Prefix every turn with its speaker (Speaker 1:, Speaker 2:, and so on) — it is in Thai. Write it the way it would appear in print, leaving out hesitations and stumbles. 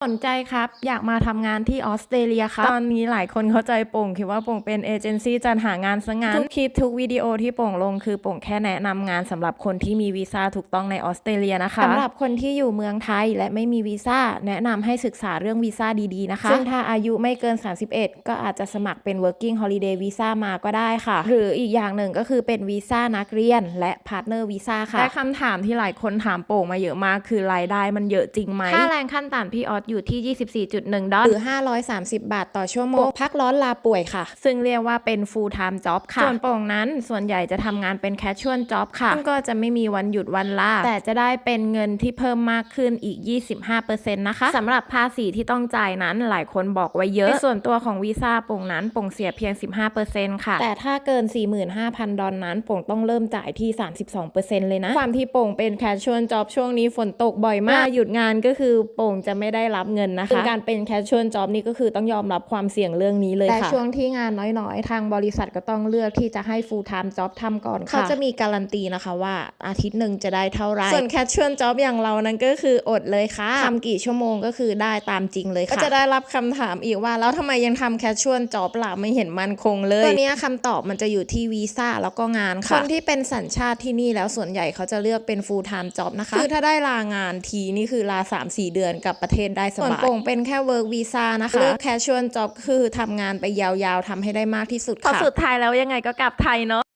Speaker 1: สนใจครับอยากมาทำงานที่ออสเตรเลียครับตอนนี้หลายคนเข้าใจโป่งคิดว่าโป่งเป็นเอเจนซี่จัดหางานซะงั้นทุกคลิปทุกวิดีโอที่โป่งลงคือโป่งแค่แนะนำงานสำหรับคนที่มีวีซ่าถูกต้องในออสเตรเลียนะคะสำหรับคนที่อยู่เมืองไทยและไม่มีวีซ่าแนะนำให้ศึกษาเรื่องวีซ่าดีๆนะคะซึ่งถ้าอายุไม่เกิน31ก็อาจจะสมัครเป็น working holiday visa มาก็ได้ค่ะหรืออีกอย่างหนึ่งก็คือเป็นวีซ่านักเรียนและ partner visa ค่ะและคำถามที่หลายคนถามโป่งมาเยอะมากคือรายได้มันเยอะจริงไหมค่าแรงขั้นต่ำพี่ออสอยู่ที่24.1 ดอลลาร์หรือ530 บาทต่อชั่วโมงพักร้อนลาป่วยค่ะซึ่งเรียกว่าเป็น full time job ค่ะส่วนโป่งนั้นส่วนใหญ่จะทำงานเป็น casual job ค่ะซึ่งก็จะไม่มีวันหยุดวันลาแต่จะได้เป็นเงินที่เพิ่มมากขึ้นอีก 25% นะคะสำหรับภาษีที่ต้องจ่ายนั้นหลายคนบอกไว้เยอะในส่วนตัวของวีซ่าโป่งนั้นโป่งเสียเพียง 15% ค่ะแต่ถ้าเกิน 45,000 ดอลลาร์นั้นโป่งต้องเริ่มจ่ายที่ 32% เลยนะความที่โป่งเป็น casual job ช่วงนี้ฝนตกบ่อยมากหยุดงานก็คือโป่งจะไม่ได้รับเงินนะคะการเป็น casual job นี่ก็คือต้องยอมรับความเสี่ยงเรื่องนี้เลยค่ะแต่ช่วงที่งานน้อยๆทางบริษัทก็ต้องเลือกที่จะให้ full time job ทำก่อนค่ะเขาจะมีการันตีนะคะว่าอาทิตย์หนึ่งจะได้เท่าไรส่วน casual job อย่างเรานั้นก็คืออดเลยค่ะทำกี่ชั่วโมงก็คือได้ตามจริงเลยค่ะก็จะได้รับคำถามอีกว่าแล้วทำไมยังทำ casual job ล่ะไม่เห็นมั่นคงเลยตัวนี้คำตอบมันจะอยู่ที่วีซ่าแล้วก็งานค่ะคนที่เป็นสัญชาติที่นี่แล้วส่วนใหญ่เขาจะเลือกเป็น full time job นะคะคือถ้าได้ลางานทีนี่คือลา 3-4 เดือนกับประเทศได้สบายส่วนโป่งเป็นแค่ work visa นะคะเลือก casual job คือทำงานไปยาวๆทำให้ได้มากที่สุดค่ะพอสุดท้ายแล้วยังไงก็กลับไทยเนาะ